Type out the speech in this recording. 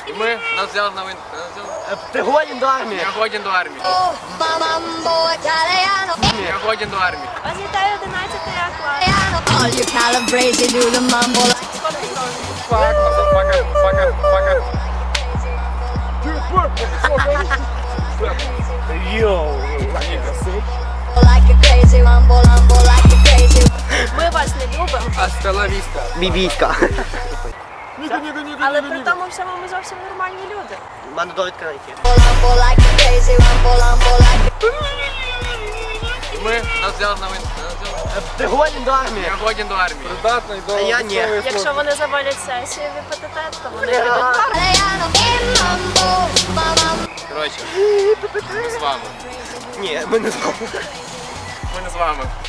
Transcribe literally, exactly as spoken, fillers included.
І ми нас взяли на вин. Ти годен до армії? Я годен до армії. Я годен до армії. Вас вітає одинадцятий клас. All you calabrese do the mumble. Фак, мазафака, фака, фака. Йоу. Like a crazy mumble, mumble like a crazy. Ми вас не любимо, Hasta la vista. Бібіська. але при тому всьому ми зовсім нормальні люди. У мене довідка на які. Mumble like a crazy mumble, mumble like a. І ми нас взяли на вин. Ти годен до армії? Я годен до армії. Придатний до А я ні. Якщо вони завалять сесію в ІПТТ, то вони підуть в армію. Mumble, mumble. Коротше, ми з вами. Ні, ми не знаємо. Ми не з вами.